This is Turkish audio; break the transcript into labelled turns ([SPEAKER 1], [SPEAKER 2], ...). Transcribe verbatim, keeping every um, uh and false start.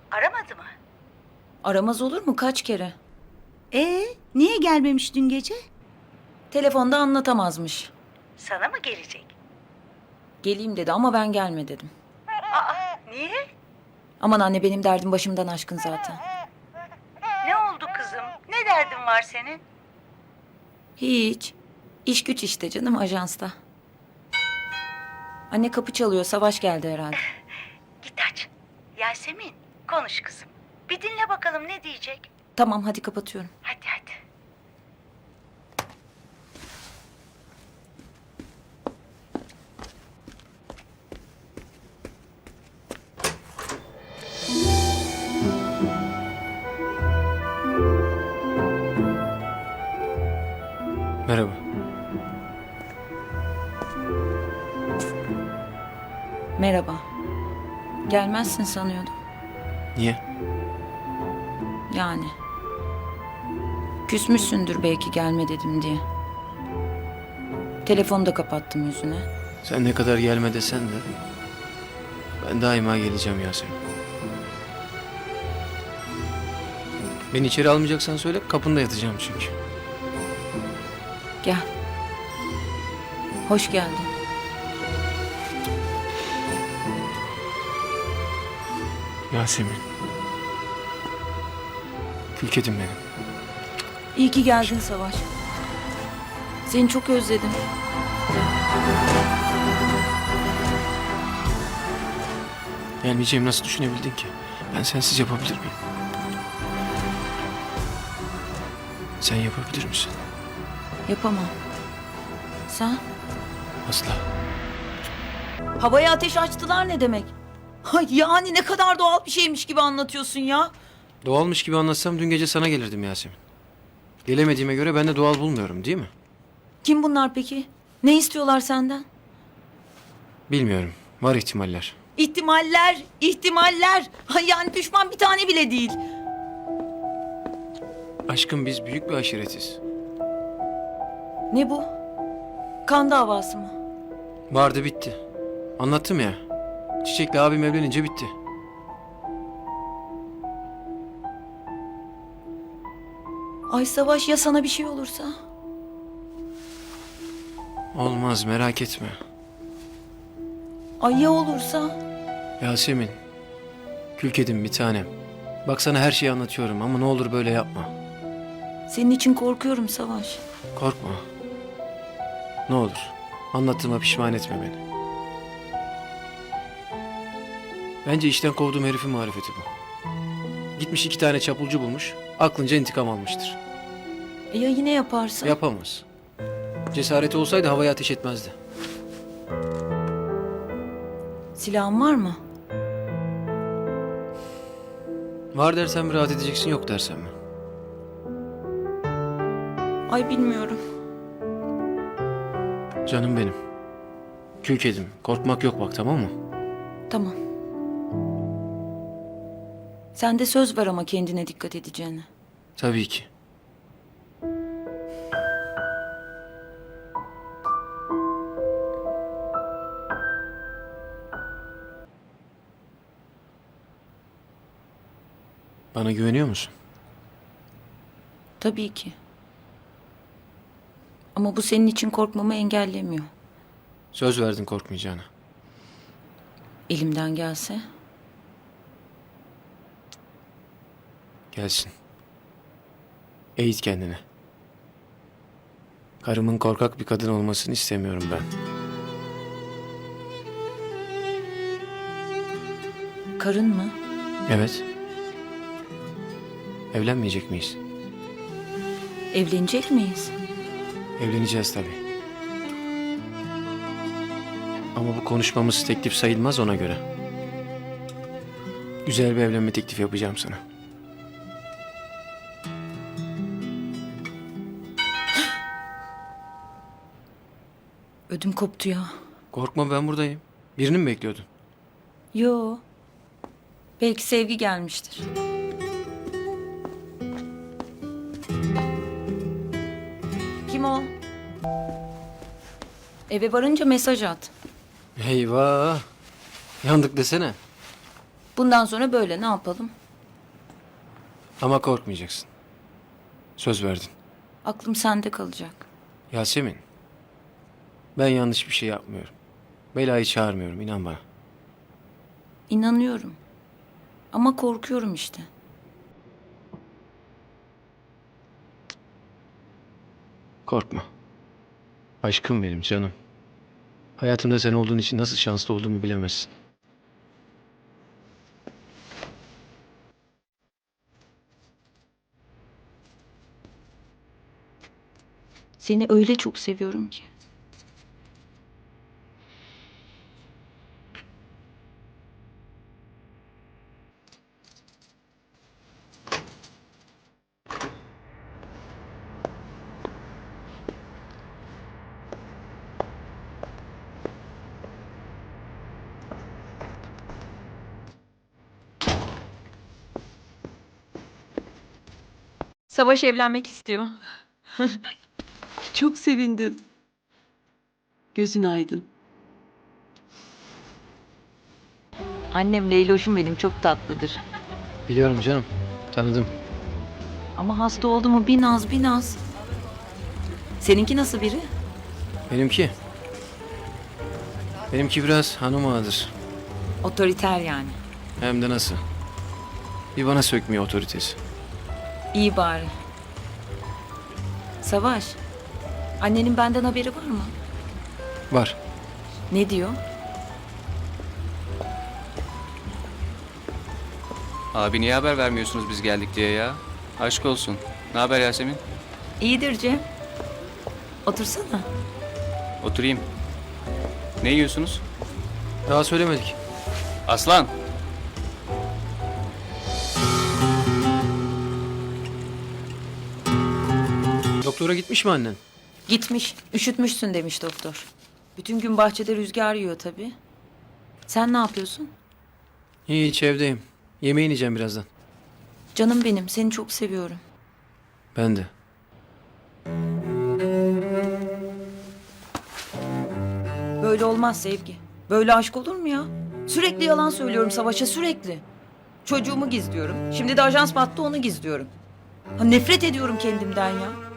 [SPEAKER 1] Aramadı mı?
[SPEAKER 2] Aramaz olur mu kaç kere?
[SPEAKER 1] Ee, niye gelmemiş dün gece?
[SPEAKER 2] Telefonda anlatamazmış.
[SPEAKER 1] Sana mı gelecek?
[SPEAKER 2] Geleyim dedi ama ben gelme dedim.
[SPEAKER 1] Aa, niye?
[SPEAKER 2] Aman anne benim derdim başımdan aşkın zaten.
[SPEAKER 1] Ne oldu kızım? Ne derdin var senin?
[SPEAKER 2] Hiç. İş güç işte canım ajansta. Anne kapı çalıyor. Savaş geldi herhalde.
[SPEAKER 1] Git aç. Yasemin, konuş kızım. Bir dinle bakalım ne diyecek.
[SPEAKER 2] Tamam hadi kapatıyorum.
[SPEAKER 1] Hadi hadi.
[SPEAKER 3] Merhaba.
[SPEAKER 2] Merhaba. Gelmezsin sanıyordum.
[SPEAKER 3] Niye?
[SPEAKER 2] Yani. Küsmüşsündür belki gelme dedim diye. Telefonu da kapattım yüzüne.
[SPEAKER 3] Sen ne kadar gelme desen de ben daima geleceğim Yasemin. Beni içeri almayacaksan söyle, kapında yatacağım çünkü.
[SPEAKER 2] Gel. Hoş geldin.
[SPEAKER 3] Yasemin. Külkedim benim.
[SPEAKER 2] İyi ki geldin Savaş. Seni çok özledim.
[SPEAKER 3] Gelmeyeceğimi nasıl düşünebildin ki? Ben sensiz yapabilir miyim? Sen yapabilir misin?
[SPEAKER 2] Yapamam. Sen?
[SPEAKER 3] Asla.
[SPEAKER 2] Havaya ateş açtılar ne demek? Ay yani ne kadar doğal bir şeymiş gibi anlatıyorsun ya.
[SPEAKER 3] Doğalmış gibi anlatsam dün gece sana gelirdim Yasemin. Gelemediğime göre ben de doğal bulmuyorum, değil mi?
[SPEAKER 2] Kim bunlar peki? Ne istiyorlar senden?
[SPEAKER 3] Bilmiyorum. Var ihtimaller.
[SPEAKER 2] İhtimaller, ihtimaller. Ay yani düşman bir tane bile değil.
[SPEAKER 3] Aşkım biz büyük bir aşiretiz.
[SPEAKER 2] Ne bu? Kan davası mı?
[SPEAKER 3] Vardı bitti. Anlattım ya. Çiçek'le abim evlenince bitti.
[SPEAKER 2] Ay Savaş ya sana bir şey olursa?
[SPEAKER 3] Olmaz merak etme.
[SPEAKER 2] Ay ya olursa?
[SPEAKER 3] Yasemin. Kül kedim bir tanem. Bak sana her şeyi anlatıyorum ama ne olur böyle yapma.
[SPEAKER 2] Senin için korkuyorum Savaş.
[SPEAKER 3] Korkma. Ne olur. Anlattığıma pişman etme beni. Bence işten kovduğum herifin marifeti bu. Gitmiş iki tane çapulcu bulmuş. Aklınca intikam almıştır.
[SPEAKER 2] E ya yine yaparsa?
[SPEAKER 3] Yapamaz. Cesareti olsaydı havaya ateş etmezdi.
[SPEAKER 2] Silahın var mı?
[SPEAKER 3] Var dersem mi rahat edeceksin, yok dersem mi?
[SPEAKER 2] Ay bilmiyorum.
[SPEAKER 3] Canım benim. Kül kedim. Korkmak yok bak, tamam mı?
[SPEAKER 2] Tamam. Sen de söz ver ama kendine dikkat edeceğine.
[SPEAKER 3] Tabii ki. Bana güveniyor musun?
[SPEAKER 2] Tabii ki. Ama bu senin için korkmamı engellemiyor.
[SPEAKER 3] Söz verdin korkmayacağına.
[SPEAKER 2] Elimden gelse.
[SPEAKER 3] Gelsin. Eğit kendini. Karımın korkak bir kadın olmasını istemiyorum ben.
[SPEAKER 2] Karın mı?
[SPEAKER 3] Evet. Evlenmeyecek miyiz?
[SPEAKER 2] Evlenecek miyiz?
[SPEAKER 3] Evleneceğiz tabii. Ama bu konuşmamız teklif sayılmaz ona göre. Güzel bir evlenme teklifi yapacağım sana.
[SPEAKER 2] Ödüm koptu ya.
[SPEAKER 3] Korkma, ben buradayım. Birini mi bekliyordun?
[SPEAKER 2] Yo. Belki sevgi gelmiştir. Kim o? Eve varınca mesaj at.
[SPEAKER 3] Eyvah. Yandık desene.
[SPEAKER 2] Bundan sonra böyle ne yapalım?
[SPEAKER 3] Ama korkmayacaksın. Söz verdin.
[SPEAKER 2] Aklım sende kalacak.
[SPEAKER 3] Yasemin. Ben yanlış bir şey yapmıyorum. Belayı çağırmıyorum, inan bana.
[SPEAKER 2] İnanıyorum. Ama korkuyorum işte.
[SPEAKER 3] Korkma. Aşkım benim canım. Hayatımda sen olduğun için nasıl şanslı olduğumu bilemezsin.
[SPEAKER 2] Seni öyle çok seviyorum ki.
[SPEAKER 4] Savaş evlenmek istiyor.
[SPEAKER 5] Çok sevindim. Gözün aydın.
[SPEAKER 2] Annem Leyloş'um benim çok tatlıdır.
[SPEAKER 3] Biliyorum canım. Tanıdım.
[SPEAKER 2] Ama hasta oldu mu bir naz bir naz. Seninki nasıl biri?
[SPEAKER 3] Benimki. Benimki biraz hanım ağadır.
[SPEAKER 2] Otoriter yani.
[SPEAKER 3] Hem de nasıl. Bir bana sökmüyor otoritesi.
[SPEAKER 2] İyi bari. Savaş. Annenin benden haberi var mı?
[SPEAKER 3] Var.
[SPEAKER 2] Ne diyor?
[SPEAKER 6] Abi niye haber vermiyorsunuz biz geldik diye ya? Aşk olsun. Ne haber Yasemin?
[SPEAKER 2] İyidir Cem. Otursana.
[SPEAKER 6] Oturayım. Ne yiyorsunuz?
[SPEAKER 3] Daha söylemedik.
[SPEAKER 6] Aslan!
[SPEAKER 3] Doktora gitmiş mi annen?
[SPEAKER 2] Gitmiş. Üşütmüşsün demiş doktor. Bütün gün bahçede rüzgar yiyor tabii. Sen ne yapıyorsun?
[SPEAKER 3] Hiç evdeyim. Yemeğini yiyeceğim birazdan.
[SPEAKER 2] Canım benim. Seni çok seviyorum.
[SPEAKER 3] Ben de.
[SPEAKER 2] Böyle olmaz Sevgi. Böyle aşk olur mu ya? Sürekli yalan söylüyorum Savaş'a sürekli. Çocuğumu gizliyorum. Şimdi de ajans battı onu gizliyorum. Ha, nefret ediyorum kendimden ya.